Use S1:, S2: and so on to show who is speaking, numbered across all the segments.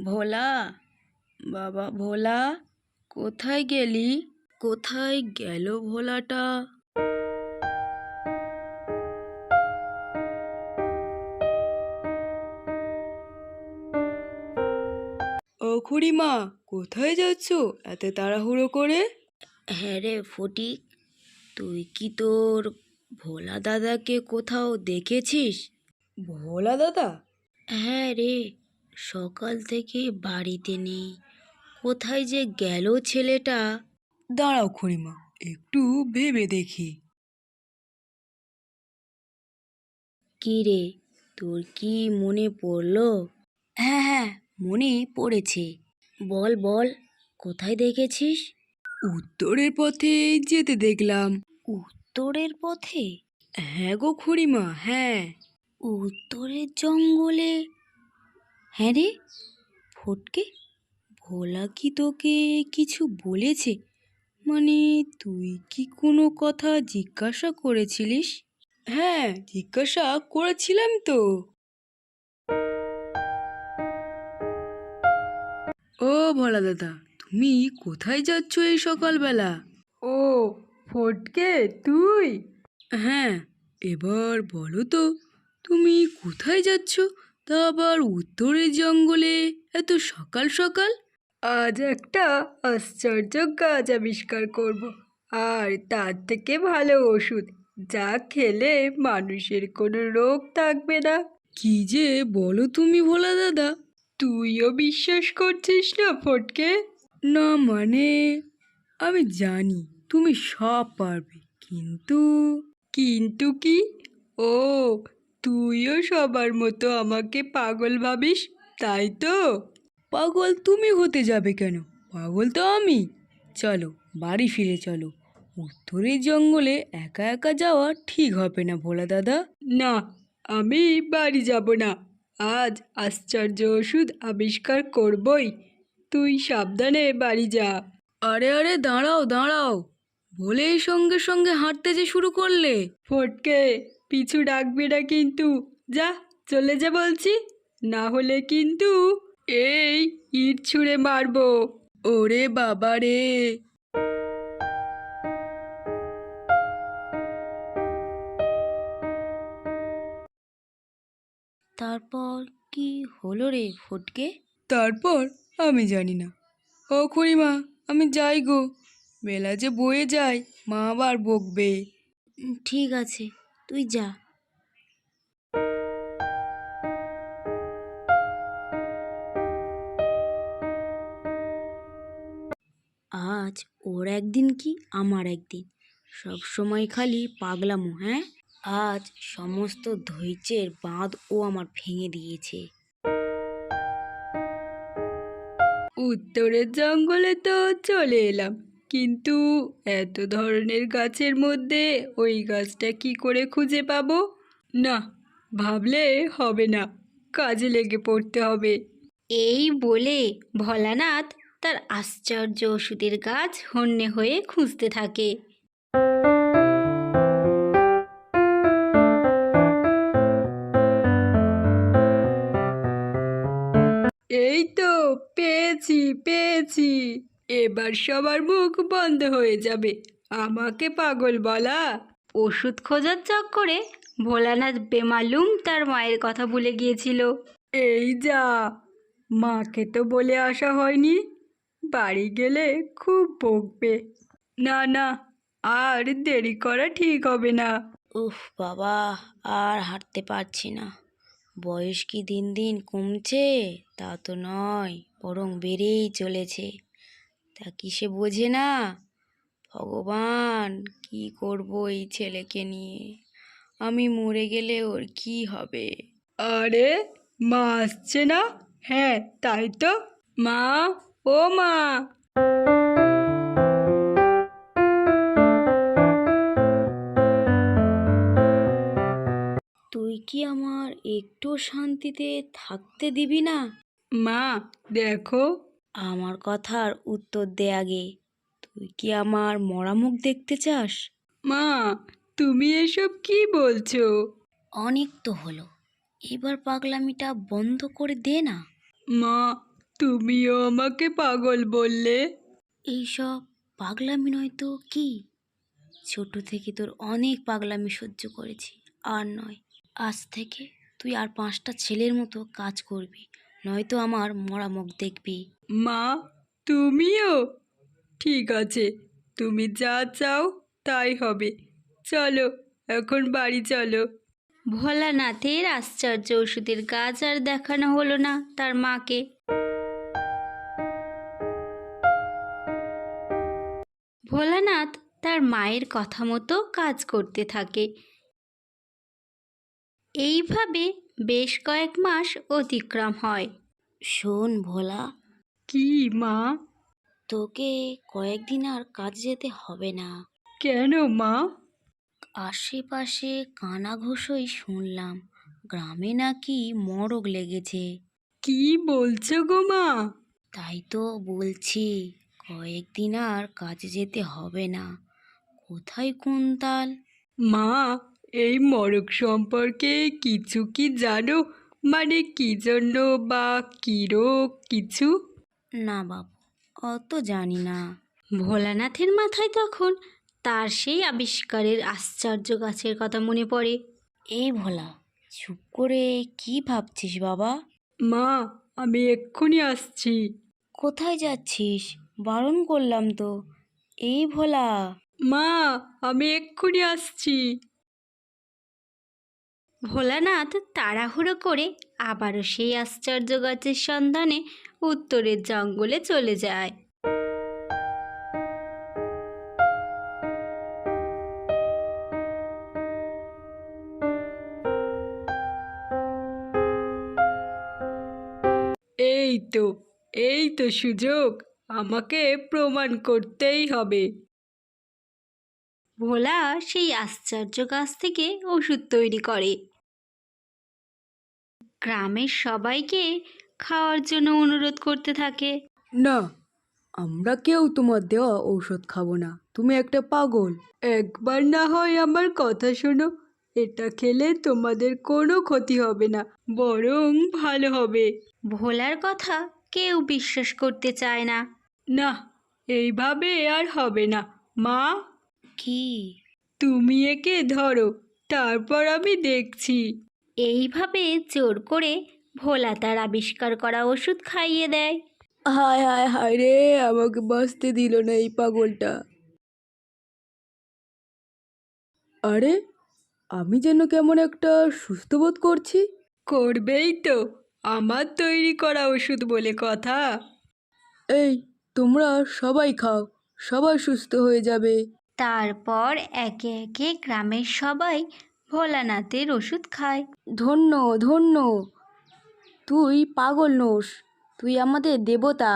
S1: ভোলা, বাবা ভোলা, কোথায় গেলি? কোথায় গেল ভোলাটা? ও খুড়িমা, কোথায় যাচ্ছ এত তাড়াহুড়ো করে? হ্যাঁ রে ফটিক, তুই কি তোর ভোলা দাদাকে কোথাও দেখেছিস? ভোলা দাদা? হ্যাঁ রে, সকাল থেকে বাড়িতে নেই। কোথায় যে গেল ছেলেটা। দাঁড়াও খুড়িমা, একটু ভেবে দেখি। কি রে, তোর কি মনে পড়লো? হ্যাঁ হ্যাঁ, মনে পড়েছে। বল বল, কোথায় দেখেছিস? উত্তরের পথে যেতে দেখলাম। উত্তরের পথে? হ্যাঁ গো খুড়িমা, হ্যাঁ। উত্তরের জঙ্গলে? হ্যাঁ রে ফটকে, ভোলা কি তোকে কিছু বলেছে? মানে তুই কি কোনো কথা জিজ্ঞাসা করেছিলিস? হ্যাঁ, জিজ্ঞাসা করেছিলাম তো। ও ভোলা দাদা, তুমি কোথায় যাচ্ছ এই সকালবেলা? ও ফটকে, তুই? হ্যাঁ, এবার বলো তো, তুমি কোথায় যাচ্ছ, তা আবার উত্তরের জঙ্গলে এত সকাল সকাল? আজ একটা আশ্চর্য গাছ আবিষ্কার করব, আর তার থেকে ভালো ওষুধ, যা খেলে মানুষের কোনো রোগ থাকবে না। কি যে বলো তুমি ভোলা দাদা, তুইও বিশ্বাস করছিস না ফটকে? না মানে, আমি জানি তুমি সব পারবে, কিন্তু কিন্তু কি? ও, তুইও সবার মতো আমাকে পাগল ভাবিস, তাই তো? পাগল তুমি হতে যাবে কেন? পাগল তো আমি। চলো বাড়ি ফিরে চলো, উত্তরের জঙ্গলে একা একা যাওয়া ঠিক হবে না ভোলা দাদা। না, আমি বাড়ি যাব না। আজ আশ্চর্য ওষুধ আবিষ্কার করবই। তুই সাবধানে বাড়ি যা। আরে আরে, দাঁড়াও দাঁড়াও, বলেই সঙ্গে সঙ্গে হাঁটতে যে শুরু করলে। ফটকে, পিছু ডাকবি না কিন্তু। যা, চলে যা বলছি, না হলে কিন্তু এই ইট ছুঁড়ে মারবো। ওরে বাবা রে! তারপর কি হলো রে ফটকে? তারপর আমি জানি না। ও খুড়িমা, আমি যাই গো, বেলা যে বয়ে যায়, মা আবার বকবে। ঠিক আছে, তুই যা। আজ ওর একদিন কি আমার একদিন, সব সময় খালি পাগলামো। হ্যাঁ, আজ সমস্ত ধৈর্যের বাঁধ ও আমার ভেঙে দিয়েছে। উত্তরের জঙ্গলে তো চলে এলাম, কিন্তু এত ধরনের গাছের মধ্যে ওই গাছটা কি করে খুঁজে পাবো? না, ভাবলে হবে না, কাজে লেগে পড়তে হবে। এই বলে ভোলানাথ তার আশ্চর্য ওষুধের গাছ হন্যে হয়ে খুঁজতে থাকে। এই তো পেয়েছি পেয়েছি, এবার সবার মুখ বন্ধ হয়ে যাবে আমাকে পাগল বলা। ওষুধ খোঁজার চক্করে ভোলানাথ বেমালুম তার মায়ের কথা ভুলে গিয়েছিল। এই যা, মাকে তো বলে আসা হয়নি, বাড়ি গেলে খুব বকবে। না না, আর দেরি করা ঠিক হবে না। উফ বাবা, আর হাঁটতে পারছি না। বয়স কি দিন দিন কমছে? তা তো নয়, বরং বেড়েই চলেছে। তা কি সে বোঝে না? ভগবান, কি করব এই ছেলেকে নিয়ে? আমি মরে গেলে ওর কি হবে? আরে, মা আসছে না? হ্যাঁ, তাই তো। মা, ও মা! তুই কি আমার একটু শান্তিতে থাকতে দিবি না? মা, দেখো। আমার কথার উত্তর দে আগে। তুই কি আমার মরা মুখ দেখতে চাস? মা, তুমি এসব কি বলছো? অনেক তো হলো, এবার পাগলামিটা বন্ধ করে দে না। মা, তুমিও আমাকে পাগল বললে।
S2: এইসব পাগলামি নয় তো কি? ছোট থেকে তোর অনেক পাগলামি সহ্য করেছি, আর নয়। আজ থেকে তুই আর 5টা ছেলের মতো কাজ করবি, নয়তো আমার মরা মুখ দেখবি।
S1: মা, তুমিও? ঠিক আছে, তুমি যা চাও তাই হবে। চলো, এখন বাড়ি চলো।
S2: ভোলানাথের আশ্চর্য ওষুধের গাছ আর দেখানো হলো না তার মাকে। ভোলানাথ তার মায়ের কথা মতো কাজ করতে থাকে। এইভাবে বেশ কয়েক মাস অতিক্রম হয়। শোন ভোলা,
S1: কি মা?
S2: তোকে কয়েকদিন আর কাজ যেতে হবে না।
S1: কেন মা?
S2: আশেপাশে কানাঘুষোই শুনলাম গ্রামে নাকি মড়ক লেগেছে।
S1: কি বলছো গো মা?
S2: তাই তো বলছি, কয়েকদিন আর কাজে যেতে হবে না। কোথায় কুন্তাল?
S1: মা, এই মরক সম্পর্কে কিছু কি জানো? মানে কি জন্য বা কি রোগ কিছু?
S2: না বাবু, অত জানি না। ভোলানাথের মাথায় তখন তার সেই আবিষ্কারের আশ্চর্য গাছের কথা মনে পড়ে। এই ভোলা, চুপ করে কি ভাবছিস বাবা?
S1: মা, আমি এক্ষুনি আসছি।
S2: কোথায় যাচ্ছিস? বারণ করলাম তো। এই ভোলা।
S1: মা, আমি এক্ষুনি আসছি।
S2: ভোলানাথ তাড়াহুড়ো করে আবারও সেই আশ্চর্য গাছের সন্ধানে উত্তরের জঙ্গলে চলে যায়।
S1: এই তো, এই তো সুযোগ, আমাকে প্রমাণ করতেই হবে।
S2: ভোলা সেই আশ্চর্য গাছ থেকে ওষুধ তৈরি করে। গ্রামের সবাইকে খাওয়ার জন্য অনুরোধ করতে থাকে।
S1: না, আমরা কেউ তোমার দেওয়া ঔষধ খাবো না, তুমি একটা পাগল। একবার না হয় আমার কথা শোনো, এটা খেলে তোমাদের কোনো ক্ষতি হবে না, বরং ভালো হবে।
S2: ভোলার কথা কেউ বিশ্বাস করতে চায় না।
S1: না, এইভাবে আর হবে না। মা,
S2: কি?
S1: তুমি একে ধরো, তারপর আমি দেখছি।
S2: এইভাবে জোর করে ভোলা তার আবিষ্কার করা ওষুধ খাইয়ে দেয়।
S1: হায় হায় হায় রে, আমাকে বাঁচতে দিল না এই পাগলটা। আরে, আমি যেন কেমন একটা সুস্থ বোধ করছি। করবেই তো, আমার তৈরি করা ওষুধ বলে কথা। এই, তোমরা সবাই খাও, সবাই সুস্থ হয়ে যাবে।
S2: তারপর একে একে গ্রামের সবাই ভোলানাথের ওষুধ খায়।
S1: ধন্য ধন্য, তুই পাগল নোস, তুই আমাদের দেবতা।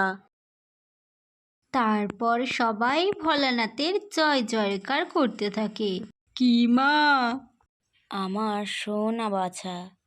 S2: তারপর সবাই ভোলানাথের জয় জয়কার করতে থাকে।
S1: কি মা?
S2: আমার সোনা বাছা,